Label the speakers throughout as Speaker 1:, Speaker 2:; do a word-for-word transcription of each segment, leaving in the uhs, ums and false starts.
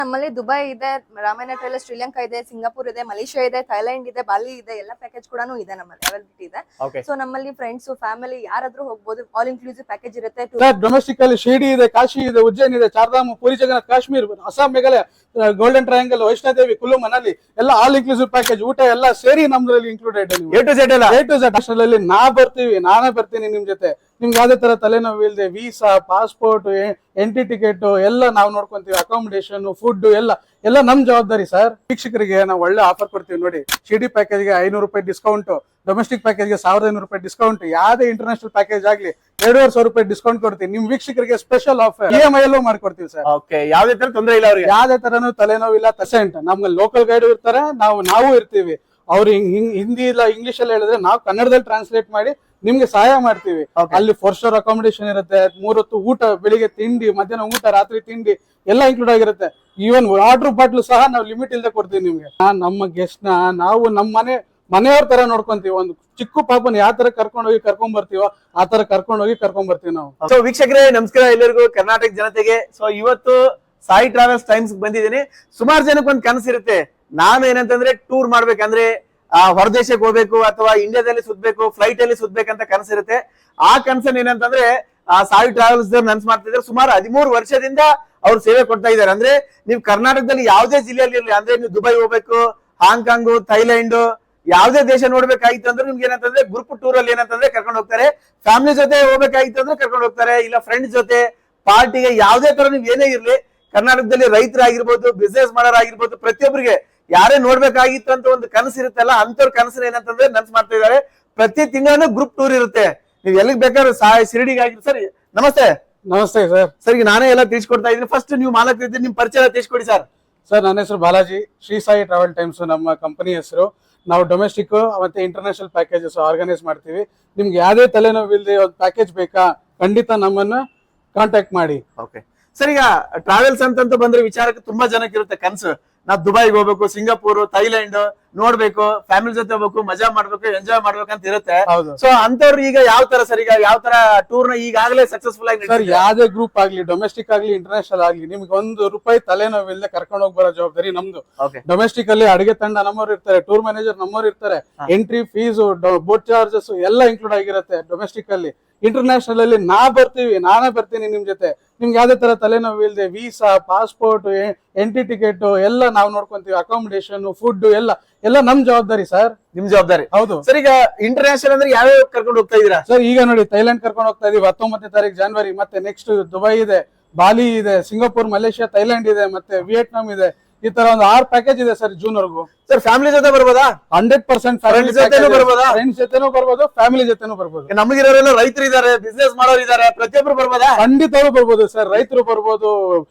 Speaker 1: ನಮ್ಮಲ್ಲಿ ದುಬೈ ಇದೆ, ರಾಮಾಯಣ ಟ್ರೇಲರ್ ಶ್ರೀಲಂಕಾ ಇದೆ, ಸಿಂಗಾಪುರ್ ಇದೆ, ಮಲೇಷಿಯಾ ಇದೆ, ಥೈಲ್ಯಾಂಡ್ ಇದೆ, ಬಾಲಿ ಇದೆ, ಎಲ್ಲ ಪ್ಯಾಕೇಜ್ ಕೂಡ ಇದೆ ನಮ್ಮಲ್ಲಿ ಅವೈಲಬಿಲಿಟಿ ಇದೆ. ಸೊ ನಮ್ಮಲ್ಲಿ ಫ್ರೆಂಡ್ಸ್ ಫ್ಯಾಮಿಲಿ ಯಾರಾದ್ರೂ ಹೋಗಬಹುದು. ಆಲ್ ಇನ್ಕ್ಲೂಸಿವ್ ಪ್ಯಾಕೇಜ್ ಇರುತ್ತೆ.
Speaker 2: ಡೊಮೆಸ್ಟಿಕ್ ಅಲ್ಲಿ ಶಿರ್ಡಿ ಇದೆ, ಕಾಶಿ ಇದೆ, ಉಜ್ಜೈನ್ ಇದೆ, ಚಾರ್ಧಾಮ್, ಪುರಿ ಜಗನ್ನಾಥ್, ಕಾಶ್ಮೀರ್, ಅಸ್ಸಾಂ, ಮೇಘಾಲಯ, ಗೋಲ್ಡನ್ ಟ್ರಯಾಂಗಲ್, ವೈಷ್ಣೋದೇವಿ, ಕುಲ್ಲು ಮನಾಲಿ ಎಲ್ಲ ಆಲ್ ಇನ್ಕ್ಲೂಸಿವ್ ಪ್ಯಾಕೇಜ್, ಊಟ ಎಲ್ಲ ಸೇರಿ ನಮ್ದ್ರಲ್ಲಿ included. A to Z A to Z ಅಲ್ಲಿ ನಾ ಬರ್ತೀವಿ, ನಾನೇ ಬರ್ತೀನಿ ನಿಮ್ ಜೊತೆ. ನಿಮ್ಗೆ ಯಾವ್ದೇ ತರ ತಲೆನೋವು ಇಲ್ಲದೆ ವೀಸಾ, ಪಾಸ್ಪೋರ್ಟ್, ಎಂಟ್ರಿ ಟಿಕೆಟ್ ಎಲ್ಲ ನಾವು ನೋಡ್ಕೊಂತೀವಿ. ಅಕಾಮಿಡೇಷನ್, ಫುಡ್ ಎಲ್ಲ ಎಲ್ಲ ನಮ್ ಜವಾಬ್ದಾರಿ ಸರ್. ವೀಕ್ಷಕರಿಗೆ ನಾವು ಒಳ್ಳೆ ಆಫರ್ ಕೊಡ್ತೀವಿ ನೋಡಿ. ಶಿರ್ಡಿ ಪ್ಯಾಕೇಜ್ಗೆ ಐನೂರು ರೂಪಾಯಿ ಡಿಸ್ಕೌಂಟ್, ಡೊಮೆಸ್ಟಿಕ್ ಪ್ಯಾಕೇಜ್ಗೆ ಸಾವಿರದ ಐನೂರು ರೂಪಾಯಿ ಡಿಸ್ಕೌಂಟ್, ಯಾವ್ದೇ ಇಂಟರ್ನ್ಯಾಷನಲ್ ಪ್ಯಾಕೇಜ್ ಆಗ್ಲಿ ಎರಡೂವರೆ ಸಾವಿರ ರೂಪಾಯಿ ಡಿಸ್ಕೌಂಟ್ ಕೊಡ್ತೀವಿ. ನಿಮ್ ವೀಕ್ಷಕರಿಗೆ special offer E M I ಅಲ್ಲೂ ಮಾಡ್ಕೊಡ್ತೀವಿ ಸರ್.
Speaker 3: ಯಾವ್ದೇ ತರ ತೊಂದರೆ ಇಲ್ಲ ಅವ್ರಿಗೆ,
Speaker 2: ಯಾವ್ದೇ ತರನು ತಲೆನೋವು ಇಲ್ಲ. ಪರ್ಸೆಂಟ್ ನಮ್ಗೆ ಲೋಕಲ್ ಗೈಡ್ ಇರ್ತಾರೆ, ನಾವು ನಾವು ಇರ್ತೀವಿ. ಅವ್ರು ಹಿಂದಿ ಇಲ್ಲ ಇಂಗ್ಲಿಷ್ ಅಲ್ಲಿ ಹೇಳಿದ್ರೆ ನಾವು ಕನ್ನಡದಲ್ಲಿ ಟ್ರಾನ್ಸ್ಲೇಟ್ ಮಾಡಿ ನಿಮ್ಗೆ ಸಹಾಯ ಮಾಡ್ತೀವಿ. ಅಲ್ಲಿ ಫೋರ್ ಸ್ಟಾರ್ ಅಕಾಮಿಡೇಷನ್ ಇರುತ್ತೆ, ಮೂರೊತ್ತು ಊಟ, ಬೆಳಿಗ್ಗೆ ತಿಂಡಿ, ಮಧ್ಯಾಹ್ನ ಊಟ, ರಾತ್ರಿ ತಿಂಡಿ ಎಲ್ಲ ಇನ್ಕ್ಲೂಡ್ ಆಗಿರುತ್ತೆ. ಈವನ್ ವಾಟರ್ ಬಾಟ್ಲು ಸಹ ನಾವು ಲಿಮಿಟ್ ಇಲ್ಲದೆ ಕೊಡ್ತೀವಿ ನಿಮ್ಗೆ. ನಮ್ಮ ಗೆಸ್ಟ್ ನ ನಾವು ನಮ್ಮ ಮನೆ ಮನೆಯವ್ರ ತರ ನೋಡ್ಕೊಂತೀವಿ. ಒಂದು ಚಿಕ್ಕ ಪಾಪನ ಯಾವ ತರ ಕರ್ಕೊಂಡು ಹೋಗಿ ಕರ್ಕೊಂಡ್ ಬರ್ತೀವೋ ಆ ತರ ಕರ್ಕೊಂಡು ಹೋಗಿ ಕರ್ಕೊಂಡ್ ಬರ್ತೀವಿ ನಾವು.
Speaker 3: ಸೊ ವೀಕ್ಷಕರೇ ನಮಸ್ಕಾರ ಎಲ್ಲರಿಗೂ, ಕರ್ನಾಟಕ ಜನತೆಗೆ. ಸೊ ಇವತ್ತು ಸಾಯಿ ಟ್ರಾವೆಲ್ಸ್ ಟೈಮ್ಸ್ ಬಂದಿದ್ದೀನಿ. ಸುಮಾರು ಜನಕ್ಕೆ ಒಂದು ಕನಸಿರುತ್ತೆ, ನಾನು ಏನಂತಂದ್ರೆ ಟೂರ್ ಮಾಡ್ಬೇಕಂದ್ರೆ ಆ ಹೊರದೇಶಕ್ಕೆ ಹೋಗ್ಬೇಕು ಅಥವಾ ಇಂಡಿಯಾದಲ್ಲಿ ಸುತ್ತಬೇಕು, ಫ್ಲೈಟ್ ಅಲ್ಲಿ ಸುತ್ತಬೇಕಂತ ಕನಸಿರುತ್ತೆ. ಆ ಕನಸನ್ ಏನಂತಂದ್ರೆ ಆ ಸಾಯಿ ಟ್ರಾವೆಲ್ಸ್ ನನ್ಸ್ ಮಾಡ್ತಿದ್ದಾರೆ. ಸುಮಾರು ಹದಿಮೂರು ವರ್ಷದಿಂದ ಅವ್ರು ಸೇವೆ ಕೊಡ್ತಾ ಇದ್ದಾರೆ. ಅಂದ್ರೆ ನೀವು ಕರ್ನಾಟಕದಲ್ಲಿ ಯಾವುದೇ ಜಿಲ್ಲೆಯಲ್ಲಿ ಇರಲಿ, ಅಂದ್ರೆ ನೀವು ದುಬೈ ಹೋಗ್ಬೇಕು, ಹಾಂಗ್ಕಾಂಗ್, ಥೈಲ್ಯಾಂಡ್, ಯಾವ್ದೇ ದೇಶ ನೋಡ್ಬೇಕಾಗಿತ್ತು ಅಂದ್ರೆ ನಿಮ್ಗೆ ಏನಂತಂದ್ರೆ ಗ್ರೂಪ್ ಟೂರ್ ಅಲ್ಲಿ ಏನಂತಂದ್ರೆ ಕರ್ಕೊಂಡು ಹೋಗ್ತಾರೆ. ಫ್ಯಾಮಿಲಿ ಜೊತೆ ಹೋಗ್ಬೇಕಾಗಿತ್ತು ಅಂದ್ರೆ ಕರ್ಕೊಂಡು ಹೋಗ್ತಾರೆ, ಇಲ್ಲ ಫ್ರೆಂಡ್ಸ್ ಜೊತೆ ಪಾರ್ಟಿಗೆ, ಯಾವ್ದೇ ತರ ನೀವ್ ಏನೇ ಇರ್ಲಿ ಕರ್ನಾಟಕದಲ್ಲಿ ರೈತರಾಗಿರ್ಬೋದು, ಬಿಸ್ನೆಸ್ ಮಾಡೋರಾಗಿರ್ಬೋದು, ಪ್ರತಿಯೊಬ್ಬರಿಗೆ ಯಾರೇ ನೋಡ್ಬೇಕಾಗಿತ್ತು ಅಂತ ಒಂದು ಕನಸು ಇರುತ್ತಲ್ಲ, ಅಂತವ್ರ ಕನಸು ಏನಂತಂದ್ರೆ ನನ್ಸ್ ಮಾಡ್ತಾ ಇದ್ದಾರೆ. ಪ್ರತಿ ತಿಂಗಳು ಗ್ರೂಪ್ ಟೂರ್ ಇರುತ್ತೆ. ನೀವ್ ಎಲ್ಲಿಗೆ ಬೇಕಾದ್ರೂ ಸಾಯಿ ಶಿರಡಿಗೆ ಆಗಿರ್. ಸರ್ ನಮಸ್ತೆ.
Speaker 2: ನಮಸ್ತೆ ಸರ್.
Speaker 3: ಸರ್ ಈಗ ನಾನೇ ಎಲ್ಲ ತಿಳಿಸ್ಕೊಡ್ತಾ ಇದ್ದೀನಿ. ಫಸ್ಟ್ ನೀವು ಮಾಲಕ್ ಇದ್ದೀರಿ, ನಿಮ್ ಪರಿಚಯ ತಿಳಿಸ್ಕೊಡಿ ಸರ್.
Speaker 2: ಸರ್ ನನ್ನ ಹೆಸರು ಬಾಲಾಜಿ, ಶ್ರೀ ಸಾಯಿ ಟ್ರಾವೆಲ್ ಟೈಮ್ಸ್ ನಮ್ಮ ಕಂಪನಿ ಹೆಸರು. ನಾವು ಡೊಮೆಸ್ಟಿಕ್ ಮತ್ತೆ ಇಂಟರ್ನ್ಯಾಷನಲ್ ಪ್ಯಾಕೇಜಸ್ ಆರ್ಗನೈಸ್ ಮಾಡ್ತೀವಿ. ನಿಮ್ಗೆ ಯಾವ್ದೇ ತಲೆನೋವು ಇಲ್ಲದೆ ಒಂದು ಪ್ಯಾಕೇಜ್ ಬೇಕಾ, ಖಂಡಿತ ನಮ್ಮನ್ನ ಕಾಂಟ್ಯಾಕ್ಟ್ ಮಾಡಿ.
Speaker 3: ಓಕೆ ಸರ್, ಈಗ ಟ್ರಾವೆಲ್ಸ್ ಅಂತಂತ ಬಂದ್ರೆ ವಿಚಾರಕ್ಕೆ ತುಂಬಾ ಜನಕ್ಕೆ ಇರುತ್ತೆ ಕನ್ಸು. ನಾವ್ ದುಬೈಗೆ ಹೋಗ್ಬೇಕು, ಸಿಂಗಾಪುರ್, ಥೈಲ್ಯಾಂಡ್ ನೋಡ್ಬೇಕು, ಫ್ಯಾಮಿಲಿ ಜೊತೆ ಹೋಗ್ಬೇಕು, ಮಜಾ ಮಾಡ್ಬೇಕು, ಎಂಜಾಯ್ ಮಾಡ್ಬೇಕು ಅಂತ ಇರುತ್ತೆ. ಸೊ ಅಂತವ್ರು ಈಗ ಯಾವ ತರ ಸರ್, ಈಗ ಯಾವ ತರ ಟೂರ್ ನ ಈಗಾಗಲೇ ಸಕ್ಸಸ್ಫುಲ್ ಆಗಿ
Speaker 2: ಸರ್, ಯಾವ್ದೇ ಗ್ರೂಪ್ ಆಗ್ಲಿ, ಡೊಮೆಸ್ಟಿಕ್ ಆಗ್ಲಿ, ಇಂಟರ್ನ್ಯಾಷನಲ್ ಆಗ್ಲಿ, ನಿಮ್ಗೆ ಒಂದು ರೂಪಾಯಿ ತಲೆನೋವು ಇಲ್ಲದೆ ಕರ್ಕೊಂಡು ಹೋಗಿ ಬರೋ ಜವಾಬ್ದಾರಿ ನಮ್ದು. ಡೊಮೆಸ್ಟಿಕ್ ಅಲ್ಲಿ ಅಡಿಗೆ ತಂಡ ನಮ್ಮವ್ರು ಇರ್ತಾರೆ, ಟೂರ್ ಮ್ಯಾನೇಜರ್ ನಮ್ಮವ್ರು ಇರ್ತಾರೆ, ಎಂಟ್ರಿ ಫೀಸ್, ಬೋಟ್ ಚಾರ್ಜಸ್ ಎಲ್ಲ ಇನ್ಕ್ಲೂಡ್ ಆಗಿರುತ್ತೆ ಡೊಮೆಸ್ಟಿಕ್ ಅಲ್ಲಿ. ಇಂಟರ್ನ್ಯಾಷನಲ್ ಅಲ್ಲಿ ನಾ ಬರ್ತೀವಿ, ನಾನೇ ಬರ್ತೀನಿ ನಿಮ್ ಜೊತೆ. ನಿಮ್ಗೆ ಯಾವ್ದೇ ತರ ತಲೆನೋವು ಇಲ್ಲದೆ ವೀಸಾ, ಪಾಸ್ಪೋರ್ಟ್, ಎಂಟ್ರಿ ಟಿಕೆಟ್ ಎಲ್ಲ ನಾವು ನೋಡ್ಕೊಂತೀವಿ. ಅಕಾಮಿಡೇಷನ್, ಫುಡ್ ಎಲ್ಲ ಎಲ್ಲ ನಮ್ ಜವಾಬ್ದಾರಿ ಸರ್.
Speaker 3: ನಿಮ್ ಜವಾಬ್ದಾರಿ.
Speaker 2: ಹೌದು
Speaker 3: ಸರ್. ಈಗ ಇಂಟರ್ನ್ಯಾಷನಲ್ ಅಂದ್ರೆ ಯಾವ್ಯಾವ ಕರ್ಕೊಂಡು ಹೋಗ್ತಾ ಇದೀರಾ
Speaker 2: ಸರ್? ಈಗ ನೋಡಿ ಥೈಲ್ಯಾಂಡ್ ಕರ್ಕೊಂಡು ಹೋಗ್ತಾ ಇದೀವಿ ಹತ್ತೊಂಬತ್ತನೇ ತಾರೀಕು ಜನವರಿ. ಮತ್ತೆ ನೆಕ್ಸ್ಟ್ ದುಬೈ ಇದೆ, ಬಾಲಿ ಇದೆ, ಸಿಂಗಾಪುರ್, ಮಲೇಷಿಯಾ, ಥೈಲ್ಯಾಂಡ್ ಇದೆ, ಮತ್ತೆ ವಿಯೆಟ್ನಾಂ ಇದೆ. ಈ ತರ ಒಂದು ಆರು ಪ್ಯಾಕೇಜ್ ಇದೆ ಸರ್ ಜೂನ್ ವರೆಗೂ.
Speaker 3: ಸರ್ ಫ್ಯಾಮಿಲಿ ಜೊತೆ ಬರ್ಬೋದಾ?
Speaker 2: ಹಂಡ್ರೆಡ್ ಪರ್ಸೆಂಟ್
Speaker 3: ಫ್ಯಾಮಿಲಿ ಜೊತೆನೂ ಬರ್ಬೋದಾ?
Speaker 2: ಫ್ರೆಂಡ್ಸ್ ಜೊತೆನೂ ಬರ್ಬೋದು, ಫ್ಯಾಮಿಲಿ ಜೊತೆನೂ ಬರ್ಬೋದು.
Speaker 3: ನಮಗಿರೋರೆಲ್ಲ ರೈತರು ಇದಾರೆ, ಬಿಸ್ನೆಸ್ ಮಾಡೋರು ಇದಾರೆ, ಪ್ರತಿಯೊಬ್ರು ಬರ್ಬೋದಾ?
Speaker 2: ಖಂಡಿತವೂ ಬರ್ಬೋದು ಸರ್. ರೈತರು ಬರ್ಬೋದು,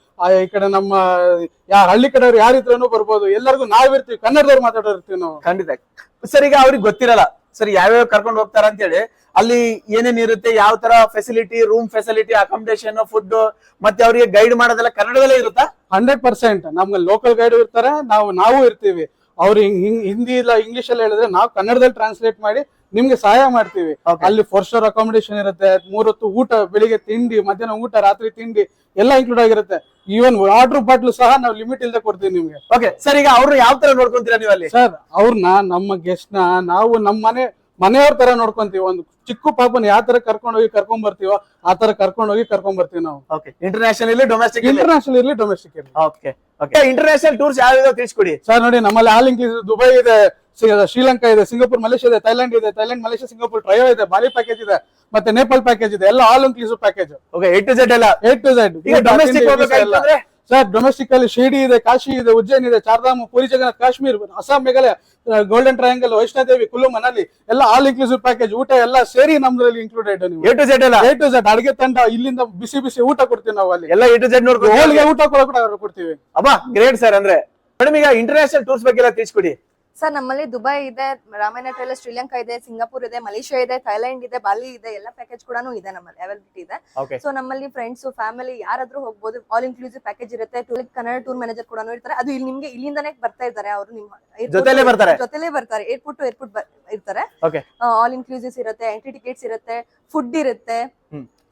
Speaker 2: ಈ ಕಡೆ ನಮ್ಮ ಯಾ ಹಳ್ಳಿ ಕಡೆಯವ್ರು ಯಾರಿದ್ರೂ ಬರ್ಬೋದು. ಎಲ್ಲರಿಗೂ ನಾವಿರ್ತೀವಿ, ಕನ್ನಡದವ್ರು ಮಾತಾಡೋರು ಇರ್ತೀವಿ ನಾವು.
Speaker 3: ಖಂಡಿತ ಸರ್. ಈಗ ಅವ್ರಿಗೆ ಗೊತ್ತಿರಲ್ಲ ಸರ್ ಯಾವ್ಯಾವ ಕರ್ಕೊಂಡು ಹೋಗ್ತಾರ ಅಂತ ಹೇಳಿ, ಅಲ್ಲಿ ಏನೇನ್ ಇರುತ್ತೆ, ಯಾವ ತರ facility, room facility, accommodation, food, ಮತ್ತೆ ಅವರಿಗೆ ಗೈಡ್ ಮಾಡೋದೆಲ್ಲ ಕನ್ನಡದಲ್ಲೇ ಇರುತ್ತಾ?
Speaker 2: ಹಂಡ್ರೆಡ್ ಪರ್ಸೆಂಟ್ ನಮ್ಗೆ ಲೋಕಲ್ ಗೈಡ್ ಇರ್ತಾರೆ, ನಾವು ನಾವು ಇರ್ತೀವಿ. ಅವ್ರು ಹಿಂದಿ ಇಲ್ಲ ಇಂಗ್ಲಿಷ್ ಅಲ್ಲಿ ಹೇಳಿದ್ರೆ ನಾವು ಕನ್ನಡದಲ್ಲಿ ಟ್ರಾನ್ಸ್ಲೇಟ್ ಮಾಡಿ ನಿಮ್ಗೆ ಸಹಾಯ ಮಾಡ್ತೀವಿ. ಅಲ್ಲಿ ಫೋರ್ ಸ್ಟಾರ್ ಅಕಾಮಿಡೇಷನ್ ಇರುತ್ತೆ, ಮೂರೊತ್ತು ಊಟ, ಬೆಳಿಗ್ಗೆ ತಿಂಡಿ, ಮಧ್ಯಾಹ್ನ ಊಟ, ರಾತ್ರಿ ತಿಂಡಿ ಎಲ್ಲ ಇನ್ಕ್ಲೂಡ್ ಆಗಿರುತ್ತೆ. ಈವನ್ ವಾಟರ್ ಬಾಟ್ಲು ಸಹ ನಾವು ಲಿಮಿಟ್ ಇಲ್ಲದೆ ಕೊಡ್ತೀವಿ ನಿಮ್ಗೆ.
Speaker 3: Okay sir. ಈಗ ಅವ್ರು ಯಾವ ತರ ನೋಡ್ಕೊಂತೀರಾ ನೀವು ಅಲ್ಲಿ?
Speaker 2: ಸರ್ ಅವ್ರನ್ನ, ನಮ್ಮ ಗೆಸ್ಟ್ ನ ನಾವು ನಮ್ಮ ಮನೆ ಮನೆಯವ್ರ ತರ ನೋಡ್ಕೊಂತೀವಿ. ಒಂದು ಚಿಕ್ಕ ಪಾಪನ ಯಾವ ತರ ಕರ್ಕೊಂಡು ಹೋಗಿ ಕರ್ಕೊಂಡ್ ಬರ್ತೀವೋ ಆ ತರ ಕರ್ಕೊಂಡು ಹೋಗಿ ಕರ್ಕೊಂಡ್ ಬರ್ತೀವಿ ನಾವು.
Speaker 3: ಇಂಟರ್ನ್ಯಾಷನಲ್ ಇರ್ಲಿ, ಡೊಮೆಸ್ಟಿಕ್
Speaker 2: ಇಂಟರ್ನ್ಯಾಷನಲ್ ಇರ್ಲಿ, ಡೊಮೆಸ್ಟಿಕ್ ಇರ್ಲಿ.
Speaker 3: Okay okay. ಇಂಟರ್ನ್ಯಾಷನಲ್ ಟೂರ್ಸ್ ಯಾವ್ಯಾವ ತಿಳಿಸ್ಕೊಡಿ
Speaker 2: ಸರ್. ನೋಡಿ ನಮ್ಮಲ್ಲಿ ಆಲ್ ಇನ್ಕ್ಲೂಸಿವ್ ದುಬೈ ಇದೆ, ಶ್ರೀಲಂಕಾ ಇದೆ, ಸಿಂಗಾಪುರ್, ಮಲೇಷಿಯಾ ಇದೆ, ಥೈಲ್ಯಾಂಡ್ ಇದೆ, ಥೈಲ್ಯಾಂಡ್, ಮಲೇಷಿಯಾ, ಸಿಂಗಾಪುರ್ ಟ್ರಯೋ ಇದೆ, ಬಾಲಿ ಪ್ಯಾಕೇಜ್ ಇದೆ, ಮತ್ತೆ ನೇಪಾಲ್ ಪ್ಯಾಕೇಜ್ ಇದೆ. ಎಲ್ಲ all inclusive package.
Speaker 3: Okay. A to Z ಎಲ್ಲ.
Speaker 2: A to Z.
Speaker 3: ಡೊಮೆಸ್ಟಿಕ್ ಹೋಗ್ಬೇಕಾದ್ರೆ
Speaker 2: ಸರ್ ಡೊಮೆಸ್ಟಿಕ್ ಅಲ್ಲಿ ಶಿರ್ಡಿ ಇದೆ, ಕಾಶಿ ಇದೆ, ಉಜ್ಜೈನ್ ಇದೆ, ಚಾರ್ಧಾಮ್, ಪುರಿ ಜಗನ್ನಾಥ್, ಕಾಶ್ಮೀರ್, ಅಸ್ಸಾಂ, ಮೇಘಾಲಯ, ಗೋಲ್ಡನ್ ಟ್ರಯಾಂಗಲ್, ವೈಷ್ಣೋದೇವಿ, ಕುಲ್ಲು ಮನಾಲಿ ಎಲ್ಲ ಆಲ್ ಇನ್ಕ್ಲೂಸಿವ್ ಪ್ಯಾಕೇಜ್. ಊಟ ಎಲ್ಲ ಸೇರಿ ನಮ್ದ್ರಲ್ಲಿ ಇನ್ಕ್ಲೂಡೆಡ್.
Speaker 3: ಎ ಟು ಝೆಡ್ ಎಲ್ಲ.
Speaker 2: ಎ ಟು ಝೆಡ್ ಅಡಿಗೆ ತಂಡ, ಇಲ್ಲಿಂದ ಬಿಸಿ ಬಿಸಿ ಊಟ ಕೊಡ್ತೀವಿ ನಾವು. ಅಲ್ಲಿ
Speaker 3: ಎಲ್ಲ ಎ ಟು ಝೆಡ್ ನೋಡ್ಕೊಂಡು
Speaker 2: ಹೋಳಿಗೆ ಊಟ ಕೂಡ ಕೊಡ್ತೀವಿ.
Speaker 3: ಅಬ್ಬಾ ಗ್ರೇಟ್ ಸರ್. ಅಂದ್ರೆ ಮೇಡಮ್ ಈಗ ಇಂಟರ್ನ್ಯಾಷನಲ್ ಟೂರ್ಸ್ ಬಗ್ಗೆ ಎಲ್ಲ ತಿಳಿಸ್ಕೊಡಿ.
Speaker 1: ಸರ್ ನಮ್ಮಲ್ಲಿ ದುಬೈ ಇದೆ, ರಾಮಾಯಣ ಟ್ರೇಲರ್ ಶ್ರೀಲಂಕಾ ಇದೆ, ಸಿಂಗಾಪುರ್ ಇದೆ, ಮಲೇಷಿಯಾ ಇದೆ, ಥೈಲ್ಯಾಂಡ್ ಇದೆ, ಬಾಲಿ ಇದೆ, ಎಲ್ಲ ಪ್ಯಾಕೇಜ್ ಕೂಡ ಇದೆ ನಮ್ಮಲ್ಲಿ ಅವೈಲಬಿಲಿಟಿ ಇದೆ. ಸೊ ನಮ್ಮಲ್ಲಿ ಫ್ರೆಂಡ್ಸ್ ಫ್ಯಾಮಿಲಿ ಯಾರಾದ್ರೂ ಹೋಗಬಹುದು. ಆಲ್ ಇನ್ಕ್ಲೂಸಿವ್ ಪ್ಯಾಕೇಜ್ ಇರುತ್ತೆ. ಕನ್ನಡ ಟೂರ್ ಮ್ಯಾನೇಜರ್ ಕೂಡ ಇರ್ತಾರೆ. ಅದು ಇಲ್ಲಿ ನಿಮ್ಗೆ ಇಲ್ಲಿಂದಾನೇ ಬರ್ತಾ ಇದ್ದಾರೆ, ಅವರು ನಿಮ್ಮ
Speaker 3: ಜೊತೆಲೇ ಬರ್ತಾರೆ
Speaker 1: ಜೊತೆಲೇ ಬರ್ತಾರೆ ಏರ್ಪೋರ್ಟ್ ಟು ಏರ್ಪೋರ್ಟ್ ಇರ್ತಾರೆ. ಆಲ್ ಇನ್ಕ್ಲೂಸಿವ್ಸ್ ಇರುತ್ತೆ, ಎಂಟ್ರಿ ಟಿಕೆಟ್ಸ್ ಇರುತ್ತೆ, ಫುಡ್ ಇರುತ್ತೆ,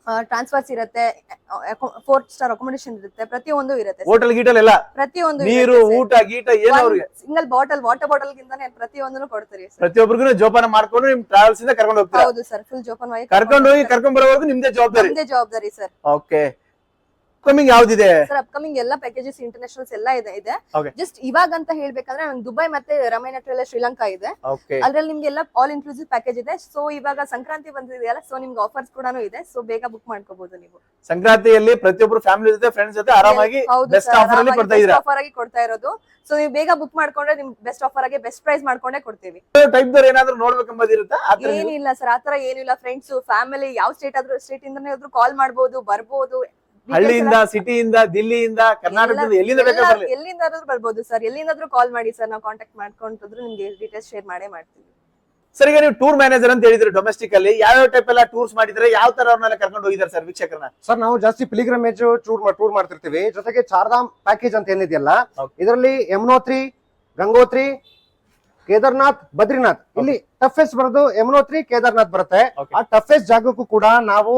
Speaker 1: ಟ್ರಾನ್ಸ್ಫರ್ಸ್ ಇರುತ್ತೆ, ಫೋರ್ ಸ್ಟಾರ್ ಅಕೊಮಡೇಷನ್ ಇರುತ್ತೆ, ಪ್ರತಿಯೊಂದು ಇರುತ್ತೆ
Speaker 3: ಹೋಟೆಲ್ ಗೀಟಲ್ ಎಲ್ಲ
Speaker 1: ಪ್ರತಿಯೊಂದು
Speaker 3: ನೀರು ಊಟ ಗೀಟ ಏನು ಅವ್ರಿಗೆ
Speaker 1: ಸಿಂಗಲ್ ಬಾಟಲ್ ವಾಟರ್ ಬಾಟಲ್ ಗಿಂತಾನೆ ಪ್ರತಿಯೊಂದನ್ನು ಕೊಡ್ತೀರಿ ಸರ್.
Speaker 3: ಪ್ರತಿಯೊಬ್ಬರಿಗೂ ಜೋಪಾನ ಮಾಡ್ಕೊಂಡು ನಿಮ್ ಟ್ರಾವೆಲ್ಸ್ ಇಂದ ಕರ್ಕೊಂಡು ಹೋಗ್ತೀರಾ?
Speaker 1: ಹೌದು ಸರ್, ಫುಲ್ ಜೋಪಾನವಾಗಿ
Speaker 3: ಕರ್ಕೊಂಡು ಹೋಗಿ ಕರ್ಕೊಂಡ್ ಬರೋವರೆಗೂ ನಿಮ್ದೇ ಜವಾಬ್ದಾರಿ?
Speaker 1: ನಿಮ್ದೇ ಜವಾಬ್ದಾರಿ ಸರ್.
Speaker 3: ಓಕೆ, ಅಪ್ಕಮಿಂಗ್ ಯಾವ್ದಿದೆ
Speaker 1: ಸರ್? ಅಪ್ಕಮಿಂಗ್ ಎಲ್ಲ ಪ್ಯಾಕೇಜಸ್ ಇಂಟರ್ನ್ಯಾಷನಲ್ಸ್ ಎಲ್ಲ ಇದೆ ಇದೆ
Speaker 3: Okay.
Speaker 1: ಜಸ್ಟ್ ಇವಾಗ ಅಂತ ಹೇಳ್ಬೇಕಂದ್ರೆ ನಂಗೆ ದುಬೈ ಮತ್ತೆ ರಮೈನಾ ಟ್ರೇಲರ್ಸ್ ಶ್ರೀಲಂಕಾ ಇದೆ.
Speaker 3: ಓಕೆ,
Speaker 1: ಅದ್ರಲ್ಲಿ ನಿಮ್ಗೆ ಎಲ್ಲ ಆಲ್ ಇನ್ಕ್ಲೂಸಿವ್ ಪ್ಯಾಕೇಜ್ ಇದೆ. ಸೊ ಇವಾಗ ಸಂಕ್ರಾಂತಿ ಬಂದಿದೆಯಲ್ಲ, ಸೊ ನಿಮ್ಗೆ ಆಫರ್ಸ್ ಕೂಡ ಇದೆ. ಸೊ ಬೇಗ ಬುಕ್ ಮಾಡ್ಕೋಬಹುದು ನೀವು.
Speaker 3: ಸಂಕ್ರಾಂತಿಯಲ್ಲಿ ಪ್ರತಿಯೊಬ್ರು ಫ್ಯಾಮಿಲಿ ಜೊತೆ ಫ್ರೆಂಡ್ಸ್ ಜೊತೆ ಆರಾಮಾಗಿ ಬೆಸ್ಟ್ ಆಫರ್ ಅಲ್ಲಿ ಕೊಡ್ತಾ ಇದ್ದೀರಾ?
Speaker 1: ಆಫರ್ ಆಗಿ ಕೊಡ್ತಾ ಇರೋದು. ಸೊ ನೀವು ಬೇಗ ಬುಕ್ ಮಾಡ್ಕೊಂಡ್ರೆ ನಿಮ್ಗೆ ಬೆಸ್ಟ್ ಆಫರ್ ಆಗಿ ಬೆಸ್ಟ್ ಪ್ರೈಸ್ ಮಾಡ್ಕೊಂಡೇ ಕೊಡ್ತೀವಿ.
Speaker 3: ಟೈಪ್ ದವ್ರು ಏನಾದ್ರು ನೋಡ್ಬೇಕಂಬದಿರುತ್ತಾ?
Speaker 1: ಏನಿಲ್ಲ ಸರ್, ಆತರ ಏನಿಲ್ಲ. ಫ್ರೆಂಡ್ಸ್ ಫ್ಯಾಮಿಲಿ ಯಾವ ಸ್ಟೇಟ್ ಆದ್ರೂ ಸ್ಟೇಟ್ ಇಂದಾನೇ ಆದ್ರೂ ಕಾಲ್ ಮಾಡ್ಬೋದು, ಬರ್ಬೋದು.
Speaker 3: ಹಳ್ಳಿಯಿಂದ, ಸಿಟಿಯಿಂದ, ದಿಲ್ಲಿಯಿಂದ, ಕರ್ನಾಟಕದಿಂದ ಎಲ್ಲಿಂದ ಬೇಕಾದ್ರೂ
Speaker 1: ಎಲ್ಲಿಂದಾದ್ರೂ ಬರ್ಬೋದು ಸರ್. ಎಲ್ಲಿಂದಾದ್ರೂ ಕಾಲ್ ಮಾಡಿ ಸರ್, ನಾವು ಕಾಂಟ್ಯಾಕ್ಟ್ ಮಾಡ್ಕೊಂಡ್ರು ನಿಮ್ಗೆ ಡೀಟೇಲ್ಸ್ ಶೇರ್ ಮಾಡೇ ಮಾಡ್ತೀವಿ.
Speaker 3: ಸರ್, ಈಗ ನೀವು ಟೂರ್ ಮ್ಯಾನೇಜರ್ ಅಂತ ಹೇಳಿದ್ರೆ ಡೊಮೆಸ್ಟಿಕ್ ಅಲ್ಲಿ ಯಾವ ಟೈಪ್ ಎಲ್ಲ ಟೂರ್ಸ್ ಮಾಡಿದ್ರೆ, ಯಾವ ತರ ಅವ್ರನ್ನೆಲ್ಲ ಕರ್ಕೊಂಡು ಹೋಗಿದ್ದಾರೆ ಸರ್ ವೀಕ್ಷಕರನ್ನ?
Speaker 4: ಸರ್, ನಾವು ಜಾಸ್ತಿ ಪಿಲಿಗ್ರಮೇಜ್ ಟೂರ್ ಟೂರ್ ಮಾಡ್ತಿರ್ತೀವಿ. ಜೊತೆಗೆ ಚಾರ್ಧಾಮ್ ಪ್ಯಾಕೇಜ್ ಅಂತ ಏನಿದೆಯಲ್ಲ, ಇದರಲ್ಲಿ ಯಮುನೋತ್ರಿ, ಗಂಗೋತ್ರಿ, ಕೇದಾರ್ನಾಥ್, ಬದ್ರಿನಾಥ್, ಇಲ್ಲಿ ಟಫೆಸ್ಟ್ ಬರೋದು ಯಮುನೋತ್ರಿ, ಕೇದಾರ್ನಾಥ್ ಬರುತ್ತೆ. ಆ ಟಫೆಸ್ಟ್ ಜಾಗಕ್ಕೂ ಕೂಡ ನಾವು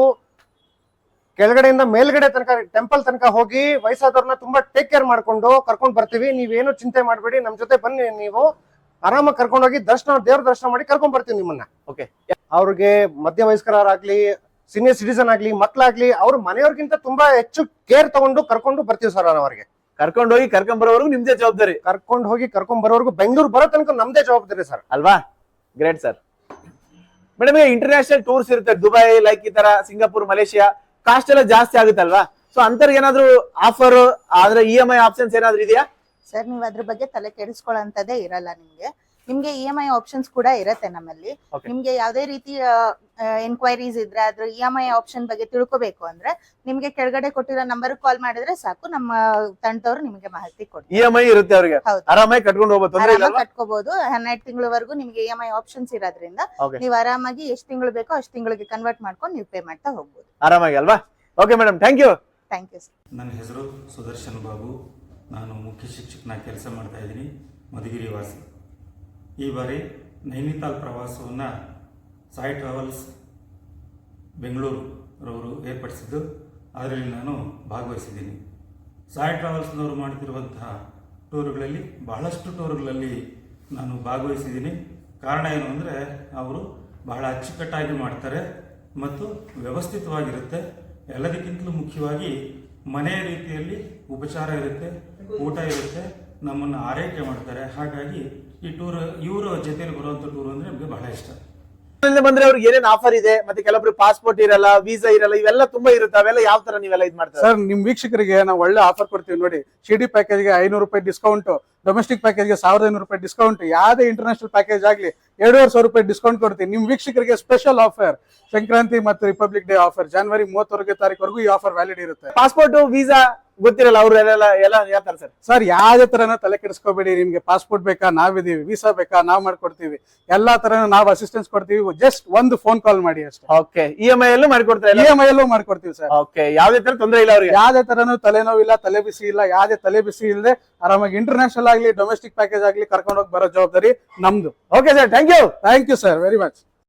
Speaker 4: ಕೆಳಗಡೆಯಿಂದ ಮೇಲ್ಗಡೆ ತನಕ ಟೆಂಪಲ್ ತನಕ ಹೋಗಿ ವಯಸ್ಸಾದವ್ರನ್ನ ತುಂಬಾ ಟೇಕ್ ಕೇರ್ ಮಾಡ್ಕೊಂಡು ಕರ್ಕೊಂಡ್ ಬರ್ತೀವಿ. ನೀವೇನು ಚಿಂತೆ ಮಾಡ್ಬೇಡಿ, ನಮ್ ಜೊತೆ ಬನ್ನಿ, ನೀವು ಆರಾಮಾಗಿ ಕರ್ಕೊಂಡು ಹೋಗಿ ದರ್ಶನ, ದೇವ್ರ ದರ್ಶನ ಮಾಡಿ ಕರ್ಕೊಂಡ್ ಬರ್ತೀವಿ ನಿಮ್ಮನ್ನ.
Speaker 3: ಓಕೆ,
Speaker 4: ಅವ್ರಿಗೆ ಮಧ್ಯ ವಯಸ್ಕರಾಗ್ಲಿ, ಸೀನಿಯರ್ ಸಿಟಿಸನ್ ಆಗ್ಲಿ, ಮಕ್ಳಾಗ್ಲಿ, ಅವ್ರ ಮನೆಯವ್ರಿಗಿಂತ ತುಂಬಾ ಹೆಚ್ಚು ಕೇರ್ ತಗೊಂಡು ಕರ್ಕೊಂಡು ಬರ್ತೀವಿ ಸರ್. ನಾವು ಅವ್ರಿಗೆ
Speaker 3: ಕರ್ಕೊಂಡು ಹೋಗಿ ಕರ್ಕೊಂಡ್ ಬರೋವರೆಗೂ ನಿಮ್ದೇ ಜವಾಬ್ದಾರಿ?
Speaker 4: ಕರ್ಕೊಂಡು ಹೋಗಿ ಕರ್ಕೊಂಡ್ ಬರೋವರೆಗೂ ಬೆಂಗಳೂರು ಬರೋ ತನಕ ನಮ್ದೇ ಜವಾಬ್ದಾರಿ ಸರ್.
Speaker 3: ಅಲ್ವಾ? Great sir. Madam, international tours ಇರುತ್ತೆ, ದುಬೈ ಲೈಕ್ ಈ ತರ, ಸಿಂಗಾಪುರ್, ಮಲೇಷಿಯಾ, ಕಾಸ್ಟ್ ಎಲ್ಲ ಜಾಸ್ತಿ ಆಗುತ್ತಲ್ವಾ? ಸೊ ಅಂತರ್ಗೆ ಏನಾದ್ರು ಆಫರ್ ಆದ್ರೆ ಇ ಎಂ ಐ ಆಪ್ಷನ್ಸ್ ಏನಾದ್ರು ಇದೆಯಾ
Speaker 5: ಸರ್? ನೀವು ಅದ್ರ ಬಗ್ಗೆ ತಲೆ ಕೆಡಿಸ್ಕೊಳ್ಳೋಂಥದ್ದೇ ಇರಲ್ಲ ನಿಮ್ಗೆ. ನಿಮ್ಗೆ ಇ ಎಂ ಐ ಆಪ್ಷನ್ಸ್ ಕೂಡ ಇರುತ್ತೆ ನಮ್ಮಲ್ಲಿ. ನಿಮ್ಗೆ ಯಾವ್ದೇ ರೀತಿಯ ಎನ್ಕ್ವೈರೀಸ್ ಇದ್ರೆ ಅದ್ರ ಇ ಎಂ ಐ ಆಪ್ಷನ್ ಬಗ್ಗೆ ತಿಳ್ಕೊಬೇಕು ಅಂದ್ರೆ ನಿಮ್ಗೆ ಕೆಳಗಡೆ ಕೊಟ್ಟಿರೋ ನಂಬರ್ ಕಾಲ್ ಮಾಡಿದ್ರೆ ಸಾಕು, ನಮ್ಮ ತಂಡದವ್ರು ನಿಮ್ಗೆ ಮಾಹಿತಿ ಕೊಡ್ತಾರೆ.
Speaker 3: ಇ ಎಂ ಐ ಇರುತ್ತೆ ಅವ್ರಿಗೆ, ಆರಾಮಾಗಿ ಕಟ್ಕೊಂಡು ಹೋಗ್ಬೋದು, ತೊಂದ್ರೆ ಇಲ್ಲ,
Speaker 5: ಕಟ್ಕೋಬಹುದು. ಹನ್ನೆರಡು ತಿಂಗಳವರೆಗೂ ನಿಮ್ಗೆ ಇ ಎಂ ಐ ಆಪ್ಷನ್ಸ್ ಇರೋದ್ರಿಂದ ನೀವು ಆರಾಮಾಗಿ ಎಷ್ಟು ತಿಂಗಳು ಬೇಕೋ ಅಷ್ಟು ತಿಂಗಳಿಗೆ ಕನ್ವರ್ಟ್ ಮಾಡ್ಕೊಂಡು ನೀವು ಪೇ ಮಾಡ್ತಾ ಹೋಗ್ಬೋದು
Speaker 3: ಆರಾಮಾಗಿ, ಅಲ್ವಾ? Okay madam, thank you.
Speaker 5: Thank you sir.
Speaker 6: ನನ್ನ ಹೆಸರು ಸುದರ್ಶನ್ ಬಾಬು. ನಾನು ಮುಖ್ಯ ಶಿಕ್ಷಕನಾಗಿ ಕೆಲಸ ಮಾಡ್ತಾ ಇದ್ದೀನಿ, ಮಧುಗಿರಿ ವಾಸಿ. ಈ ಬಾರಿ ನೈನಿತಾಲ್ ಪ್ರವಾಸವನ್ನು ಸಾಯಿ ಟ್ರಾವೆಲ್ಸ್ ಬೆಂಗಳೂರು ರವರು ಏರ್ಪಡಿಸಿದ್ದು, ಅದರಲ್ಲಿ ನಾನು ಭಾಗವಹಿಸಿದ್ದೀನಿ. ಸಾಯಿ ಟ್ರಾವೆಲ್ಸ್ನವರು ಮಾಡುತ್ತಿರುವಂತಹ ಟೂರುಗಳಲ್ಲಿ ಬಹಳಷ್ಟು ಟೂರುಗಳಲ್ಲಿ ನಾನು ಭಾಗವಹಿಸಿದ್ದೀನಿ. ಕಾರಣ ಏನು ಅಂದರೆ ಅವರು ಬಹಳ ಅಚ್ಚುಕಟ್ಟಾಗಿ ಮಾಡ್ತಾರೆ ಮತ್ತು ವ್ಯವಸ್ಥಿತವಾಗಿರುತ್ತೆ. ಎಲ್ಲದಕ್ಕಿಂತಲೂ ಮುಖ್ಯವಾಗಿ ಮನೆಯ ರೀತಿಯಲ್ಲಿ ಉಪಚಾರ ಇರುತ್ತೆ, ಊಟ ಇರುತ್ತೆ, ನಮ್ಮನ್ನು ಆರೈಕೆ ಮಾಡ್ತಾರೆ. ಹಾಗಾಗಿ ಈ ಟೂರ್ ಇವರ ಜೊತೆಲಿ ಬರುವಂಥ ಟೂರ್ ಅಂದರೆ ನಮಗೆ ಬಹಳ ಇಷ್ಟ.
Speaker 3: ಬಂದ್ರೆ ಅವ್ರಿಗೆ ಏನೇನ್ ಆಫರ್ ಇದೆ, ಮತ್ತೆ ಕೆಲವೊಬ್ರು ಪಾಸ್ಪೋರ್ಟ್ ಇರಲ್ಲ, ವೀಸಾ ಇರಲ್ಲ, ಇವೆಲ್ಲ ತುಂಬಾ ಇರುತ್ತೆ. ಅವೆಲ್ಲ ಯಾವ ತರ ನೀವೆಲ್ಲ ಇದು ಮಾಡ್ತಾರೆ
Speaker 2: ಸರ್? ನಿಮ್ ವೀಕ್ಷಕರಿಗೆ ನಾವು ಒಳ್ಳೆ ಆಫರ್ ಕೊಡ್ತೀವಿ ನೋಡಿ. ಶಿಡಿ ಪ್ಯಾಕೇಜ್ಗೆ ಐನೂರು ರೂಪಾಯಿ ಡಿಸ್ಕೌಂಟ್, ಡೊಮೆಸ್ಟಿಕ್ ಪ್ಯಾಕೇಜ್ಗೆ ಸಾವಿರದ ಐನೂರು ರೂಪಾಯಿ ಡಿಸ್ಕೌಂಟ್, ಯಾವುದೇ ಇಂಟರ್ನ್ಯಾಷನಲ್ ಪ್ಯಾಕೇಜ್ ಆಗ್ಲಿ ಎರಡೂವರೆ ಸಾವಿರ ರೂಪಾಯಿ ಡಿಸ್ಕೌಂಟ್ ಕೊಡ್ತೀವಿ. ನಿಮ್ ವೀಕ್ಷಕರಿಗೆ ಸ್ಪೆಷಲ್ ಆಫರ್, ಸಂಕ್ರಾಂತಿ ಮತ್ತು ರಿಪಬ್ಲಿಕ್ ಡೇ ಆಫರ್, ಜನವರಿ ಮೂವತ್ತೊಂದನೇ ತಾರೀಕುವರೆಗೂ ಈ ಆಫರ್ ವ್ಯಾಲಿಡ್ ಇರುತ್ತೆ.
Speaker 3: ಪಾಸ್ಪೋರ್ಟ್, ವೀಸಾ ಗೊತ್ತಿರಲ್ಲ ಅವ್ರೆಲ್ಲ ಎಲ್ಲ ಯಾವ ತರ ಸರ್?
Speaker 2: ಸರ್, ಯಾವುದೇ ತರನ ತಲೆ ಕೆಡಿಸ್ಕೋಬೇಡಿ. ನಿಮ್ಗೆ ಪಾಸ್ಪೋರ್ಟ್ ಬೇಕಾ ನಾವಿದೀವಿ, ವೀಸಾ ಬೇಕಾ ನಾವ್ ಮಾಡ್ಕೊಡ್ತೀವಿ, ಎಲ್ಲಾ ತರನು ನಾವು ಅಸಿಸ್ಟೆನ್ಸ್ ಕೊಡ್ತೀವಿ. ಜಸ್ಟ್ ಒಂದು ಫೋನ್ ಕಾಲ್ ಮಾಡಿ ಅಷ್ಟೇ.
Speaker 3: ಓಕೆ, ಇ ಎಂ ಐ ಎಲ್ಲೂ ಮಾಡ್ಕೊಡ್ತಾರೆ?
Speaker 2: ಇ ಎಂ ಐ ಎಲ್ಲೂ ಮಾಡ್ಕೊಡ್ತೀವಿ ಸರ್.
Speaker 3: ಓಕೆ, ಯಾವುದೇ ತರ ತೊಂದರೆ ಇಲ್ಲ ಅವ್ರಿಗೆ?
Speaker 2: ಯಾವುದೇ ತರನು ತಲೆನೋವಿಲ್ಲ, ತಲೆ ಬಿಸಿ ಇಲ್ಲ, ಯಾವುದೇ ತಲೆ ಬಿಸಿ ಇಲ್ಲದೆ ಆರಾಮಾಗಿ ಇಂಟರ್ನ್ಯಾಷನಲ್ ಆಗ್ಲಿ ಡೊಮೆಸ್ಟಿಕ್ ಪ್ಯಾಕೇಜ್ ಆಗ್ಲಿ ಕರ್ಕೊಂಡು ಹೋಗಿ ಬರೋ ಜವಾಬ್ದಾರಿ ನಮ್ದು.
Speaker 3: Okay sir, thank you.
Speaker 2: Thank you sir very much.